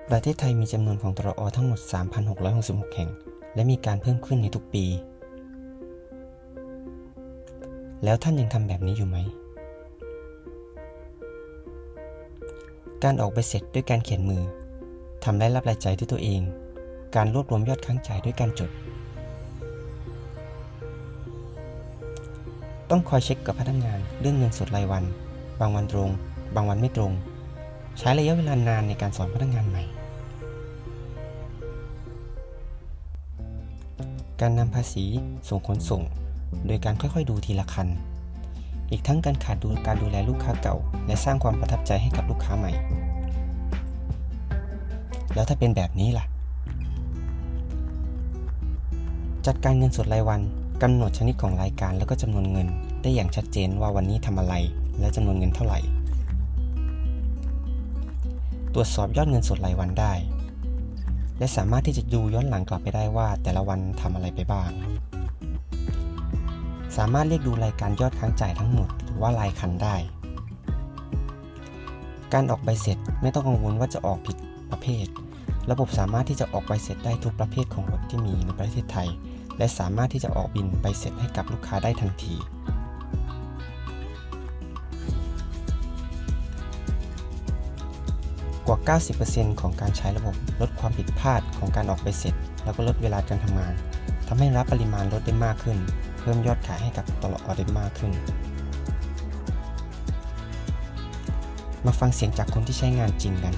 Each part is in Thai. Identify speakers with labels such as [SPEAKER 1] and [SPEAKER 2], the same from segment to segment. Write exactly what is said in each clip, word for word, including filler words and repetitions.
[SPEAKER 1] ประเทศไทยมีจำนวนของตรอ ทั้งหมด สามพันหกร้อยหกสิบหก แห่งและมีการเพิ่มขึ้นในทุกปีแล้วท่านยังทำแบบนี้อยู่ไหมการออกใบเสร็จด้วยการเขียนมือทำรายรับรายจ่ายด้วยตัวเองการรวบรวมยอดค้างจ่ายด้วยการจดต้องคอยเช็คกับพนักงานเรื่องเงินสดรายวันบางวันตรงบางวันไม่ตรงใช้ระยะเวลานานในการสอนพนักงานใหม่การนำภาษีส่งขนส่งโดยการค่อยๆดูทีละคันอีกทั้งการขาดดูการดูแลลูกค้าเก่าและสร้างความประทับใจให้กับลูกค้าใหม่แล้วถ้าเป็นแบบนี้ล่ะจัดการเงินสดรายวันกำหนดชนิดของรายการแล้วก็จำนวนเงินได้อย่างชัดเจนว่าวันนี้ทำอะไรและจำนวนเงินเท่าไหร่ตรวจสอบยอดเงินสดรายวันได้และสามารถที่จะดูย้อนหลังกลับไปได้ว่าแต่ละวันทำอะไรไปบ้างสามารถเรียกดูรายการยอดค้างจ่ายทั้งหมดหรือว่ารายคันได้การออกใบเสร็จไม่ต้องกังวลว่าจะออกผิดประเภทระบบสามารถที่จะออกใบเสร็จได้ทุกประเภทของรถที่มีในประเทศไทยและสามารถที่จะออกบินใบเสร็จให้กับลูกค้าได้ทันทีกว่า เก้าสิบเปอร์เซ็นต์ ของการใช้ระบบลดความผิดพลาดของการออกใบเสร็จแล้วก็ลดเวลาการทำงานทำให้รับปริมาณรถได้มากขึ้นเพิ่มยอดขายให้กับตลอดได้มากขึ้นมาฟังเสียงจากคนที่ใช้งานจริงกัน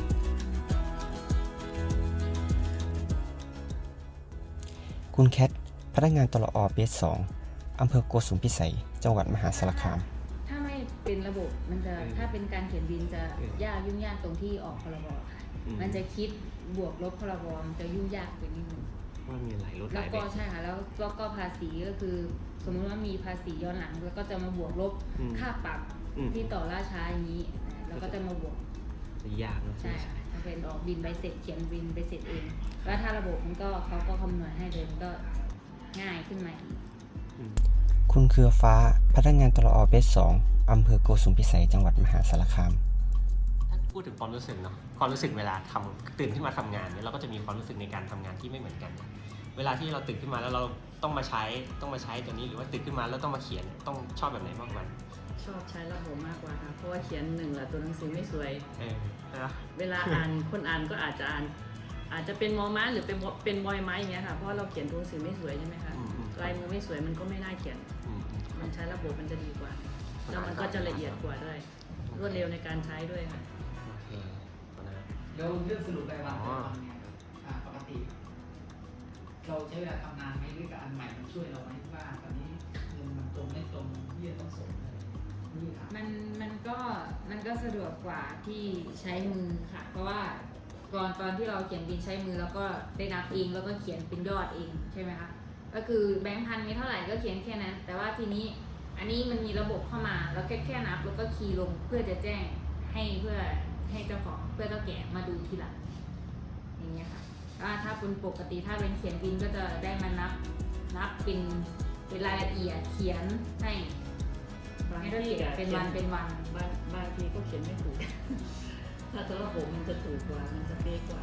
[SPEAKER 1] คุณแคทพนักงานตลอเบสสองอำเภอโกสุมพิสัยจังหวัดมหาสารคาม
[SPEAKER 2] ถ้าไม่เป็นระบบมันจะถ้าเป็นการเขียนบินจะยากยุ่งยากตรงที่ออกพรบค่ะมันจะคิดบวกลบพรบมันจะยุ่งยากไปนิดนึง
[SPEAKER 3] ว่ามีหลายรถห
[SPEAKER 2] แล้
[SPEAKER 3] ลา
[SPEAKER 2] วย
[SPEAKER 3] แบ
[SPEAKER 2] ก็
[SPEAKER 3] บ
[SPEAKER 2] ใช่ค่ะแล้วแล้วก็ภาษีก็คือสมมติว่ามีภาษีย้อนหลังแล้วก็จะมาบวกลบค่าปรับที่ต่อล่าช้าอย่างนี้แล้วก็จะมาบวก
[SPEAKER 3] จะยากนะ
[SPEAKER 2] ใช่ค่ะถ้าเป็นออกบินใบเสร็จเขียนบินใบเสร็จเองแล้วถ้าระบบมันก็เขาก็คำนวณให้เลยมันก็ง่ายขึ้นมาอีก
[SPEAKER 1] คุณเครือฟ้าพนักงานตลอเบสสองอำเภอโกสุมพิสัยจังหวัดมหาสารคาม
[SPEAKER 3] ถ้าพูดถึงความรู้สึกเนาะความรู้สึกเวลาทำตื่นขึ้นมาทำงานเนี่ยเราก็จะมีความรู้สึกในการทำงานที่ไม่เหมือนกันเวลาที่เราตื่นขึ้นมาแล้วเราต้องมาใช้ต้องมาใช้ตัวนี้หรือว่าตื่นขึ้นมาแล้วต้องมาเขียนต้องชอบแบบไหนมากกว่า
[SPEAKER 4] ชอบใช้ระบบมากกว่าค่ะเพราะว่าเขียนหนึ่งละตัวหนังสือไม่สวย
[SPEAKER 3] เออนะ
[SPEAKER 4] เวลาอ่านคนอ่านก็อาจจะอ่านอาจจะเป็นมอม้าหรือเป็นเป็นบอยไม้อย่างเงี้ยค่ะเพราะเราเขียนตัวหนังสือไม่สวยใช่ไหมคะลายมือไม่สวยมันก็ไม่น่าเขียนมันใช้ระบบมันจะดีกว่าแล้วมันก็จะละเอียดกว่าด้วยรวดเร็วในการใช้ด้วยค่ะ
[SPEAKER 3] โอเค
[SPEAKER 5] แล้วเรื่องสรุปรายวันเราทำเนี่ยปกติเราใช้เวลาทำนานไหมหรือกับอันใหม่มันช่วยเราไหมว่าตอนนี้เงินมันตรงไม่ตรงที่จะต้องส่ง
[SPEAKER 2] มันมันก็มันก็สะดวกกว่าที่ใช้มือค่ะเพราะว่าก่อนตอนที่เราเขียนบินใช้มือแล้วก็ได้นับเองแล้วก็เขียนเป็นยอดเองใช่ไหมคะก็คือแบงค์พันมีเท่าไหร่ก็เขียนแค่นั้นแต่ว่าทีนี้อันนี้มันมีระบบเข้ามาแล้วแค่แค่นับแล้วก็คีย์ลงเพื่อจะแจ้งให้เพื่อให้เจ้าของเพื่อเจ้าแก่มาดูทีหลังอย่างเงี้ยค่ะถ้าเป็นปกติถ้าเป็นเขียนบินก็จะได้มานับนับเป็นเป็นรายละเอียดเขียนให้ให้เราเขียนเป็นวันเป็นวัน
[SPEAKER 4] บางบางทีก็เขียนไม่ถูกถ้าตัวระบบมันจะถูกกว่ามันจะเป๊ะกว่า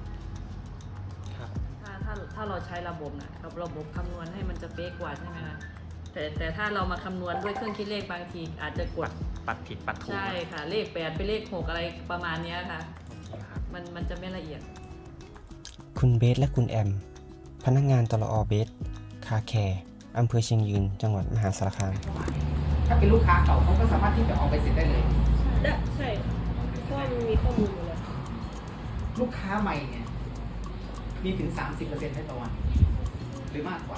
[SPEAKER 4] ถ้าถ้าถ้าเราใช้ระบบนะกับระบบคำนวณให้มันจะเป๊ะกว่าใช่ไหมคะแต่แต่ถ้าเรามาคำนวณด้วยเครื่องคิดเลขบางทีอาจจะกด
[SPEAKER 3] ปัดผิดปัดถูก
[SPEAKER 4] ใช่ค่ะเลขแปดไปเลขหกอะไรประมาณนี้ค่ะมันมันจะไม่ละเอียด
[SPEAKER 1] คุณเบสและคุณแอมพนักงานตลอเบสคาแคร์อำเภอเชียงยืนจังหวัดมหาสารคาม
[SPEAKER 5] ถ้าเป็นลูกค้าเก่าเขาก็สามารถที่จะออกไปเสร็จได้เลย
[SPEAKER 6] ได้ใช่เพราะมันมีข้อมูลอยู่แล้ว
[SPEAKER 5] ลูกค้าใหม่เนี่ยมีถึง สามสิบเปอร์เซ็นต์ ได้ต่อวันหรือมากกว่า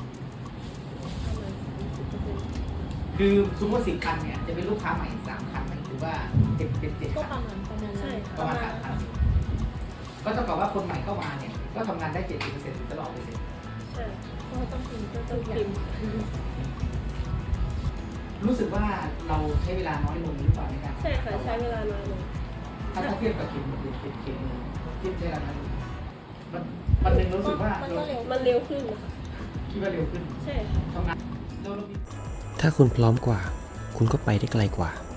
[SPEAKER 5] คือสมมติสิบคันเนี่ยจะเป็นลูกค้าใหม่สามคันหรือว่าเป็นเป็นเจ็ด
[SPEAKER 6] ก็
[SPEAKER 5] คัน
[SPEAKER 6] ประมาณประมาณใช่
[SPEAKER 5] ประมาณสามคันก็เท่ากับว่าคนใหม่เข้ามาเนี่ยก็ทำงานได้เจ็ดสิบเปอร์เซ็นต์ตลอดเลยสิ
[SPEAKER 6] ใช่เพราะต้องพิมพ์ก็ต้องพิมพ์
[SPEAKER 5] รู้สึกว่าเราใช้เวลาน้อยลงหรือเปล่าในการ
[SPEAKER 6] ใช่ค่ะใช้เวลาน้อยลง
[SPEAKER 5] ถ้าเทียบกับเขียนเขียนเขียนเขียนเทียบใช้เวลาน้อยลงมันมันเป็นรู้สึกว่า
[SPEAKER 6] มันก็เร็วมันเร็วขึ้นค่ะ
[SPEAKER 5] คิดว่าเร็วขึ้น
[SPEAKER 6] ใช่ค่ะ
[SPEAKER 5] ทำงาน
[SPEAKER 1] ถ้าคุณพร้อมกว่าคุณก็ไปได้ไกลกว่า